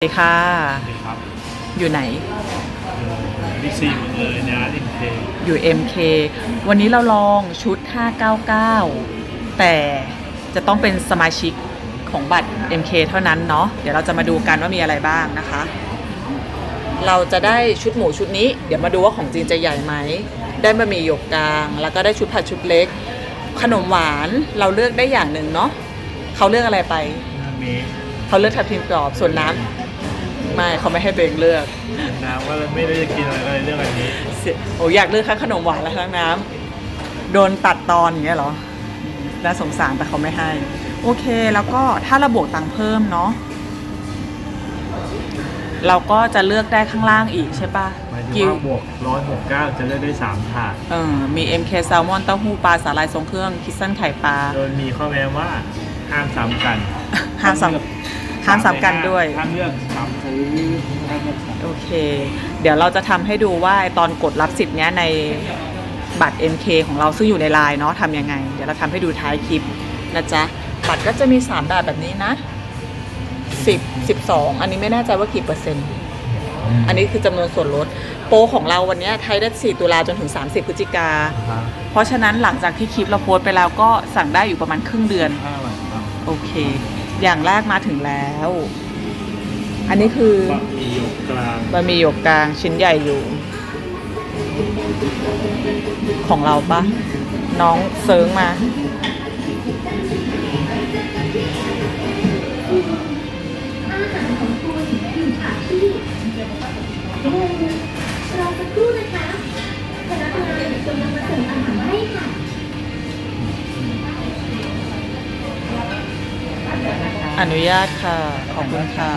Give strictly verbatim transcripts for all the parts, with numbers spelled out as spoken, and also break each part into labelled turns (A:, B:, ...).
A: สวัสดีค่ะ
B: สวัสดีครับ
A: อยู่ไหน
B: บิ๊กซีหมดเลยนะเอ็มเค
A: อยู่ เอ็ม เค วันนี้เราลองชุดห้าเก้าเก้าแต่จะต้องเป็นสมาชิกของบัตร เอ็ม เค เท่านั้นเนาะเดี๋ยวเราจะมาดูกันว่ามีอะไรบ้างนะคะ เราจะได้ชุดหมูชุดนี้เดี๋ยวมาดูว่าของจริงจะใหญ่ไหมได้บะหมี่หยกกลางแล้วก็ได้ชุดผัดชุดเล็กขนมหวานเราเลือกได้อย่างหนึ่งเนาะเขาเลือกอะไรไป
B: มี
A: เขาเลือกทับทิมกรอบส่วนน้ำไม่เขาไม่ให้ตัวเองเลือก
B: น้ำว่าไม่ได้จะกินอะไรก็เลยเลือกอันนี้
A: โอ้อยากเลือกทั้งขนมหวานและทั้งน้ำโดนตัดตอนอย่างเงี้ยเหรอน่าสงสารแต่เขาไม่ให้โอเคแล้วก็ถ้าเราบวกตังค์เพิ่มเนาะเราก็จะเลือกได้ข้างล่างอีกใช่ปะ
B: หมายถึงว่าบวกร้อยหกเก้าจะเลือกได้สามถาด
A: เออมี เอ็ม เค แซลมอนเต้าหู้ปลาสาหร่ายทรงเครื่องคิสซันไข่ปลา
B: โดยมีข้อแม้ว่าห้ามซ้ำกัน
A: ห้ามซ้ำห้ามซ้ำกันด้วย
B: ห้ามเลือกซ้ำซื้อห้ามเลือกซ้ำ
A: โอเคเดี๋ยวเราจะทำให้ดูว่าตอนกดรับสิทธิ์เนี้ยในบัตร เอ็ม เค ของเราซึ่งอยู่ในไลน์เนาะทำยังไงเดี๋ยวเราทำให้ดูท้ายคลิปนะจ๊ะบัตรก็จะมีสามแบบแบบนี้นะสิบ สิบสองอันนี้ไม่แน่ใจว่ากี่เปอร์เซ็นต์อันนี้คือจำนวนส่วนลดโปรของเราวันนี้ไทยได้สี่ตุลาจนถึงสามสิบพฤศจิกาเพราะฉะนั้นหลังจากที่คลิปเราโพสต์ไปแล้วก็สั่งได้อยู่ประมาณครึ่งเดือนโอเคอย่างแรกมาถึงแล้วอันนี้คือบะหมี่หยกกลางบะหมี่หยกกลางชิ้นใหญ่อยู่ของเราปะน้องเซิร์งมารอสักครู่นะคะคณะกรรมการกำลังมาส่งอาหารให้ค่ะอนุญาตค่ะขอบคุณค่ะ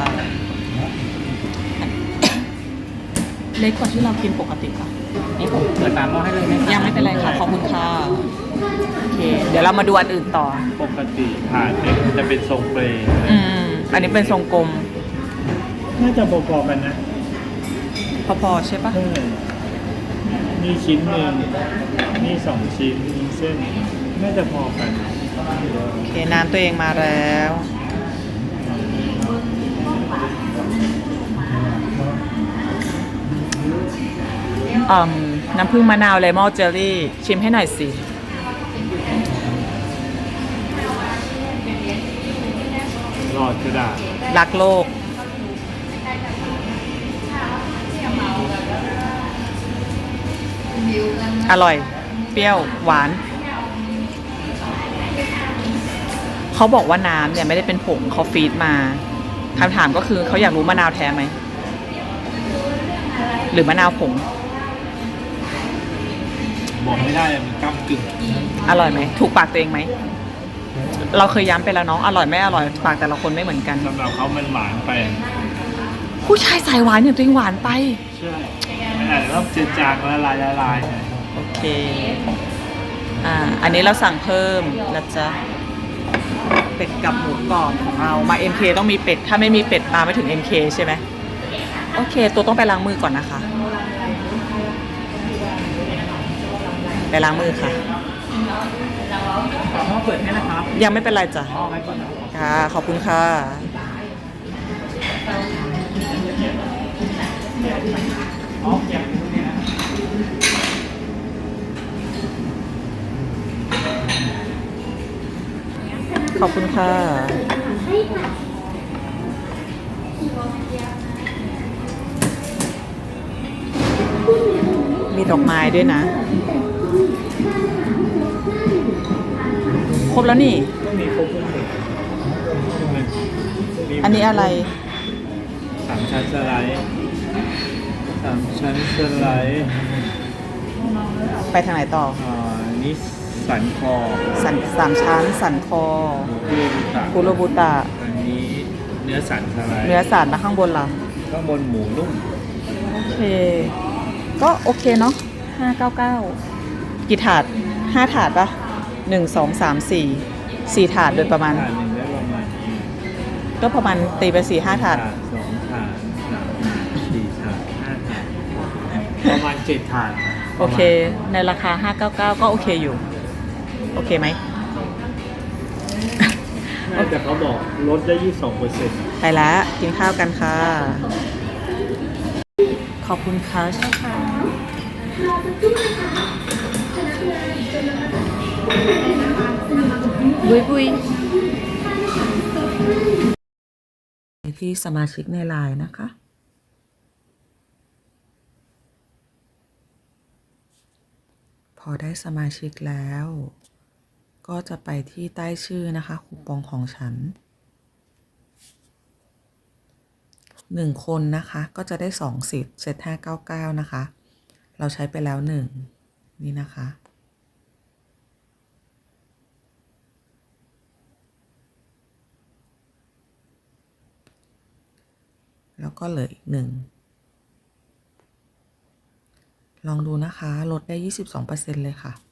A: เล็กกว่าที่เรากินปกติค่ะ
B: นี่ผมเปิดตามหม้อให้เลยไหม
A: ยังไม่เป็นไรค่ะขอบคุณค่ะโอเคเดี๋ยวเรามาดูอันอื่นต่อ
B: ปกติถาดเล็กจะเป็นทรงเปรย์
A: อืมอันนี้เป็นทรงกลม
B: น่าจะพอๆกันนะ
A: พอๆใช่ปะ
B: นี่ชิ้นหนึ่งนี่สองชิ้นนี่เส้นน่าจะพอกัน
A: โอเคน้ำตัวเองมาแล้วอืมน้ำผึ้งมะนาวเลมอนเจลลี่ชิมให้หน่อยสิ
B: รอดกระดาษ
A: รักโลกอร่อยเปรี้ยวหวานเขาบอกว่าน้ำเนี่ยไม่ได้เป็นผงเขาฟีดมาคำถามก็คือเขาอยากรู้มะนาวแท้ไหมหรือมะนาวผง
B: บอกไม่ได้มันก้ำกึ่ง
A: อร่อยไหมถูกปากตัวเองไหมเราเคยย้ำไปแล้วน้องอร่อยไม่อร่อยปากแต่ละคนไม่เหมือนกัน
B: สำหรับเขามันหวานไป
A: ผู้ชายสายหวานอย่างตัวเองหวานไป
B: ใช่ไม่อาจจะต้องเจือจางละลายละลาย
A: โอเคอ่าอันนี้เราสั่งเพิ่มนะจ๊ะเป็ดกับหมูกรอบของเรามา เอ็ม เค ต้องมีเป็ดถ้าไม่มีเป็ดมาไม่ถึง เอ็ม เค ใช่ไหมโอเคตัวต้องไปล้างมือก่อนนะคะไปล้างมือค่ะ
B: ขอเปิดให้นะครับ
A: ยังไม่เป็นไรจ้ะค่ะขอบคุณค่ะขอบคุณค่ะมีดอกไม้ด้วยนะครบแล้วนี่อันนี้อะไร
B: สามชั้นสไลด์สามชั้นสไลด์
A: ไปทางไหนต่อ
B: อ่านี่สันคอ
A: สันสามชั้นสันคอคุโรบุตะ
B: อันนี้เนื้อสันสไลด์
A: เนื้อสันแล้วข้างบนล่ะ
B: ข้างบนหมูนุ่ม
A: โอเคก็โอเคเนาะห้าเก้าเก้ากี่ถาดห้าถาดปะหนึ่งสองสามสี่สี่ถาดโดยประมาณก็ประมาณตีไปสี่ห้าถาด
B: สองถาดสามสี่ถาดห้าถาดประมาณเจ็ดถาด
A: โอเคในราคาห้าเก้าเก้าก็โอเคอยู่โอเคไหม
B: ไม่แต่เขาบอกลดได้ยี่สิบสองเปอร์เซ็นต์
A: ไปแล้วกินข้าวกันค่ะ ขอบคุณค่ะบุยบุยที่สมาชิกในไลน์นะคะ พอได้สมาชิกแล้ว ก็จะไปที่ใต้ชื่อนะคะคูปองของฉันหนึ่งคนนะคะก็จะได้สองสิทธิ์เซตห้าเก้าเก้านะคะ เราใช้ไปแล้วหนึ่งนี่นะคะ แล้วก็เหลืออีกหนึ่งลองดูนะคะลดได้ ยี่สิบสองเปอร์เซ็นต์ เลยค่ะ